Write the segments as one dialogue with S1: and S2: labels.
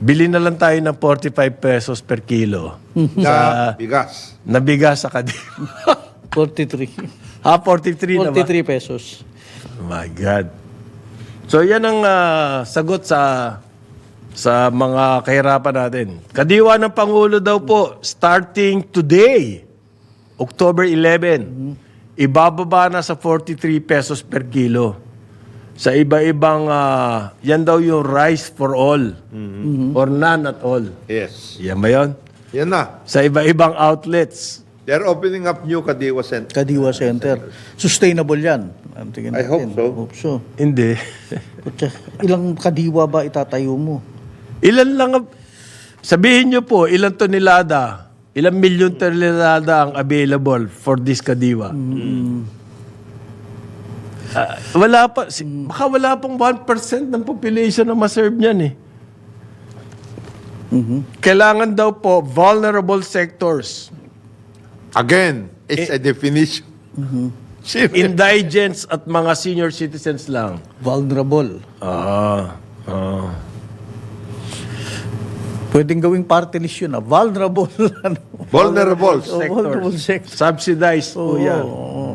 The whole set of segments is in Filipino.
S1: Bili na lang tayo ng 45 pesos per kilo
S2: Na bigas.
S1: na bigas sa Kadiwa.
S3: 43.
S1: 43 na ba?
S3: 43 pesos.
S1: Oh my God. So yan ang sagot sa mga kahirapan natin. Kadiwa ng Pangulo daw po, starting today, October 11, ibababa na sa 43 pesos per kilo. Sa iba-ibang, yan daw yung rice for all or none at all.
S2: Yes.
S1: Yan ba yun?
S2: Yan na.
S1: Sa iba-ibang outlets.
S2: They're opening up new Kadiwa Center.
S3: Kadiwa Center. Sustainable yan. Ang tingin
S2: I hope
S3: natin.
S2: so.
S3: Hope so.
S1: Hindi.
S3: Putya, ilang kadiwa ba itatayo mo?
S1: Ilan lang, sabihin nyo po, ilang tonelada, ilang milyon tonelada ang available for this Kadiwa. Wala pa, baka wala pong 1% ng population na maserve niyan eh. Kailangan daw po vulnerable sectors,
S2: Again, it's a definition.
S1: indigents at mga senior citizens lang.
S3: Vulnerable.
S1: Ah.
S3: Pwedeng gawing party list yun. Vulnerable.
S2: Vulnerables.
S3: Vulnerable sector.
S1: Subsidized po yan.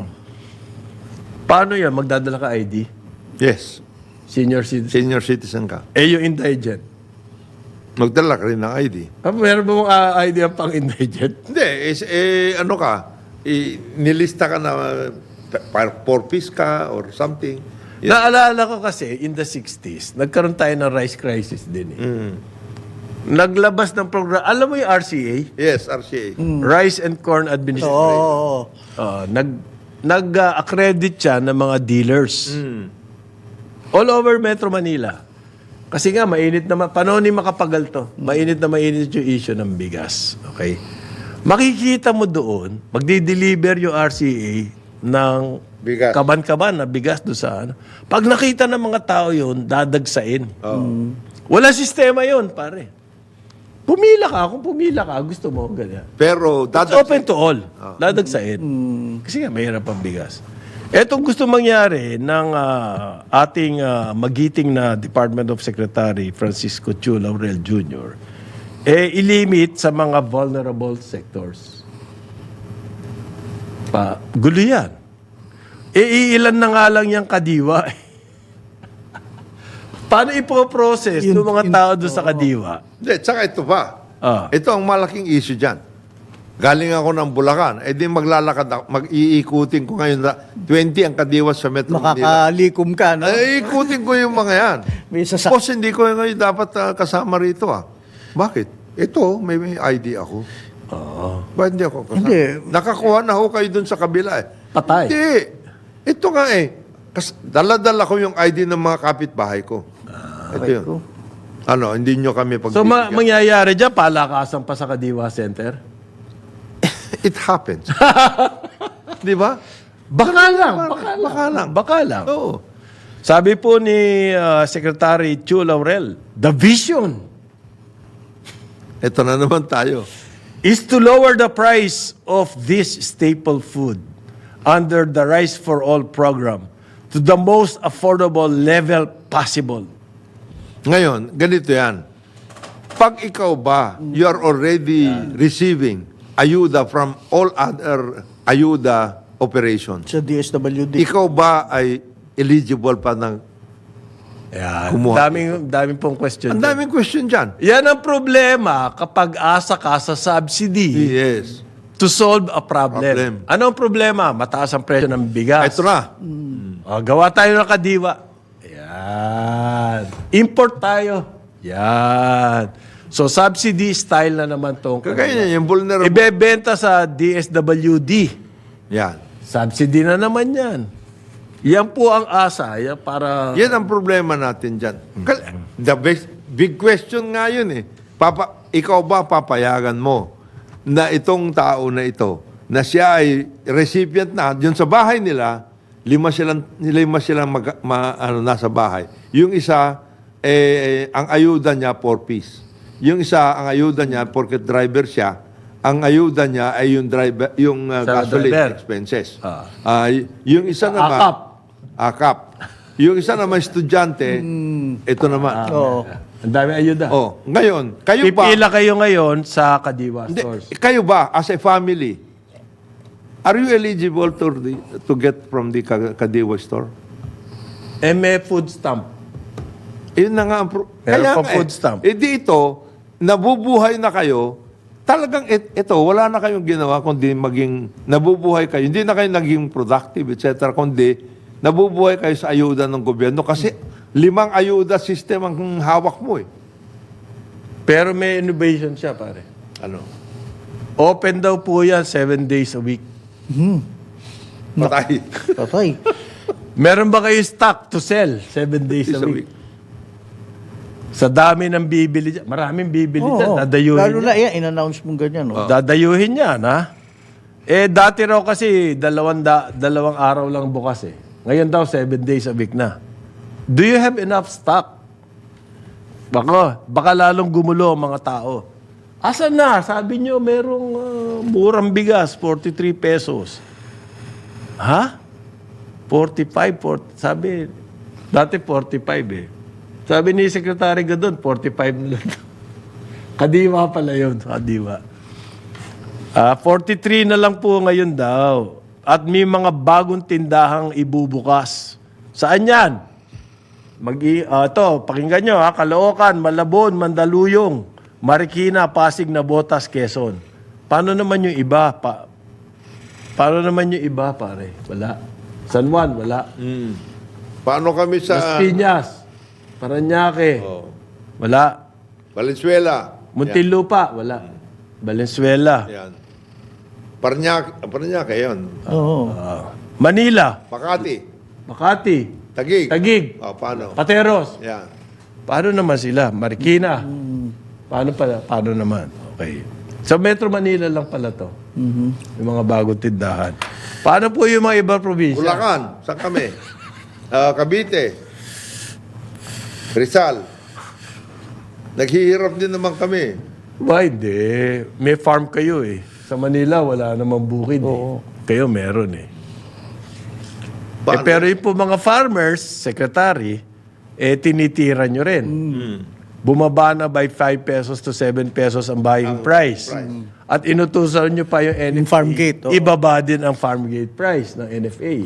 S1: Paano yan? Magdadala ka ID?
S2: Yes.
S1: Senior citizen?
S2: Senior citizen ka.
S1: Yung indigent?
S2: Magdala ka rin ng ID.
S1: Meron ba mong ID ang pang-indigent?
S2: Hindi, ano ka, nilista ka na four-piece ka or something. Yes.
S1: Naalala ko kasi, in the 60s, nagkaroon tayo ng rice crisis din eh. Naglabas ng program, alam mo yung RCA?
S2: Yes, RCA.
S1: Rice and Corn Administration.
S3: Oo.
S1: Nag-accredit siya ng mga dealers. All over Metro Manila. Kasi nga, mainit naman. Panahon ni Makapagal to. Mainit yung issue ng bigas. Okay? Makikita mo doon, magdi-deliver yung RCA ng
S2: Bigas.
S1: kaban-kaban na bigas doon sa ano. Pag nakita ng mga tao yun, dadagsain. Wala sistema yun, pare. Pumila ka. Kung pumila ka, gusto mo, ganyan.
S2: Pero,
S1: It's open to all. Dadagsain. Kasi nga, mahirap ang bigas. Etong gusto mangyari ng ating magiting na Department of Secretary Francisco Chu Laurel Jr., ilimit sa mga vulnerable sectors. Gulo yan. Iilan na nga lang yung Kadiwa. Paano ipoprocess ng mga tao doon sa Kadiwa?
S2: hindi, tsaka ito pa. Ito ang malaking issue dyan. Galing ako ng Bulacan, di maglalakad ako, mag-iikutin ko ngayon na 20 ang Kadiwa sa Metro Manila.
S3: Makakalikom ka, no?
S2: Iikutin ko yung mga yan.
S3: May sasak-
S2: Boss, hindi ko ngayon dapat kasama rito Bakit? Ito, may ID ako. Bakit hindi ako kasama?
S3: Hindi.
S2: Nakakuha na ako kayo dun sa kabila
S1: Patay.
S2: Hindi. Ito nga dala-dala ko yung ID ng mga kapitbahay ko. Ito yun. Hindi nyo kami
S1: So,
S2: pagbibigyan.
S1: mangyayari dyan, palakasan pa sa Kadiwa Center?
S2: It happens. Di ba?
S1: Baka lang. Baka lang.
S2: Oo.
S1: Sabi po ni Secretary Chu Laurel, the vision
S2: Ito na naman tayo.
S1: is to lower the price of this staple food under the Rice for All program to the most affordable level possible.
S2: Ngayon, ganito yan. Pag ikaw ba, you are already receiving ayuda from all other ayuda operations.
S3: Sa DSWD.
S2: Ikaw ba ay eligible pa ng...
S1: Yan.
S2: Kumuha.
S1: Daming pong question.
S2: Ang
S1: dyan.
S2: daming question dyan.
S1: Yan ang problema kapag asa ka sa subsidy
S2: Yes.
S1: to solve a problem. Ano ang problema? Mataas ang presyo ng bigas.
S2: Ito na.
S1: Gawa tayo ng Kadiwa. Yan. Import tayo. Yan. So, subsidy style na naman itong
S2: Kagaya niya, yung vulnerable.
S1: ibebenta sa DSWD.
S2: Yan.
S1: Subsidy na naman yan. Yan po ang asa. Yan para...
S2: Yan ang problema natin dyan. The big question nga yun ikaw ba papayagan mo na itong tao na ito, na siya ay recipient na, yun sa bahay nila, lima silang nasa bahay. Yung isa, ang ayuda niya, 4-piece. Yung isa, ang ayuda niya, porket driver siya, ang ayuda niya ay yung driver, yung gasoline
S1: driver.
S2: expenses. Yung isa naman, akap. Yung isa naman estudyante, ito naman.
S1: Ang dami ayuda.
S2: Oh, ngayon, kayo ba?
S1: Pipila kayo ngayon sa Kadiwa
S2: Hindi,
S1: stores.
S2: kayo ba, as a family, are you eligible to get from the Kadiwa store?
S1: May food stamp.
S2: Yun na nga ang
S1: Meron pa
S2: nga
S1: food stamp.
S2: Dito, nabubuhay na kayo, talagang ito, wala na kayong ginawa kundi maging nabubuhay kayo. Hindi na kayo naging productive, etc. Kundi nabubuhay kayo sa ayuda ng gobyerno kasi 5 ayuda system ang hawak mo eh.
S1: Pero may innovation siya, pare.
S2: Ano?
S1: Open daw po yan 7 days a week.
S2: Patay.
S3: Patay.
S1: Meron ba kayo stock to sell 7 days a week? Sa dami ng bibili dyan. Maraming bibili dyan. Dadayuhin
S3: Lalo
S1: niya.
S3: na yan, in-announce mong ganyan. Oh.
S1: Dadayuhin yan, ha? Dati raw kasi 2 araw lang bukas eh. Ngayon daw 7 days a week na. Do you have enough stock? Baka lalong gumulo ang mga tao. Asan na? Sabi nyo, merong murang bigas, 43 pesos. Ha? 45, sabi, dati 45 eh. Sabi ni Secretary Gadon, 45 na lang. Kadiwa pala yun, Kadiwa. 43 na lang po ngayon daw. At may mga bagong tindahang ibubukas. Saan yan? Pakinggan nyo ha. Caloocan, Malabon, Mandaluyong, Marikina, Pasig, Nabotas, Quezon. Paano naman yung iba? Paano naman yung iba, pare? Wala. San Juan, wala.
S2: Paano kami
S1: Las
S2: sa
S1: Piñas, Parañaque, wala.
S2: Valenzuela?
S1: Muntinlupa, wala. Valenzuela,
S2: Yan. Paranaque, yun.
S3: Oo.
S1: Manila,
S2: Makati.
S1: Makati,
S2: Taguig.
S1: Taguig,
S2: Paano?
S1: Pateros.
S2: Yan.
S1: Paano naman sila? Marikina. Paano naman? Okay. Sa Metro Manila lang pala to. Yung mga bagong tindahan. Paano po yung mga ibang probinsya?
S2: Bulacan. Saan kami? Cavite. Rizal. Naghihirap din naman kami.
S1: Ba, hindi. May farm kayo eh. Sa Manila, wala namang bukid eh. Kayo meron eh.
S2: Paano?
S1: Pero yung po mga farmers, secretary, tinitira nyo rin. Bumaba na by 5 pesos to 7 pesos ang buying price. At inutusan nyo pa yung NFA.
S3: Yung farm gate, oo.
S1: Ibaba din ang farm gate price ng NFA.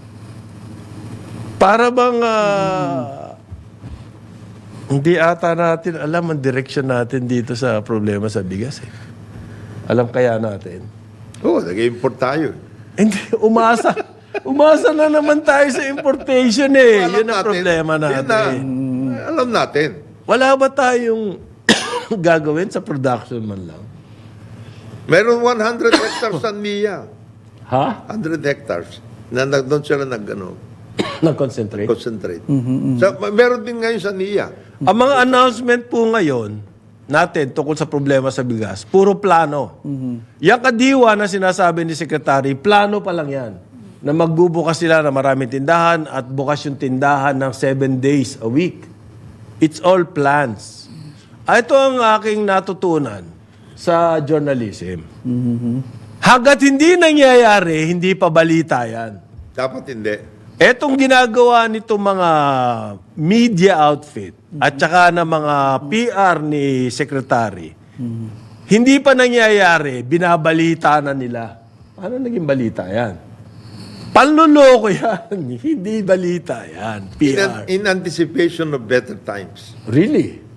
S1: Para bang hindi ata natin alam ang direction natin dito sa problema sa bigas eh. Alam kaya natin?
S2: Nag-import tayo.
S1: Hindi, umasa. Umasa na naman tayo sa importation eh.
S2: Alam
S1: Yun ang problema natin.
S2: Alam natin.
S1: Wala ba tayong gagawin sa production man lang?
S2: Meron 100 hectares sa NIA.
S1: Ha?
S2: 100 hectares. Doon sila
S1: Nag-concentrate?
S2: concentrate. Meron din ngayon sa NIA.
S1: Ang mga announcement po ngayon natin tungkol sa problema sa bigas, puro plano. Yung Kadiwa na sinasabi ni Secretary, plano pa lang yan. Na magbubukas sila ng maraming tindahan at bukas yung tindahan ng 7 days a week. It's all plans. Ito ang aking natutunan sa journalism. Hanggat hindi nangyayari, hindi pa balita yan.
S2: Dapat hindi.
S1: Etong ginagawa nito mga media outfit at saka ng mga PR ni Secretary, hindi pa nangyayari, binabalita na nila. Paano naging balita yan? Panluloko yan. Hindi balita yan. PR.
S2: In anticipation of better times.
S1: Really?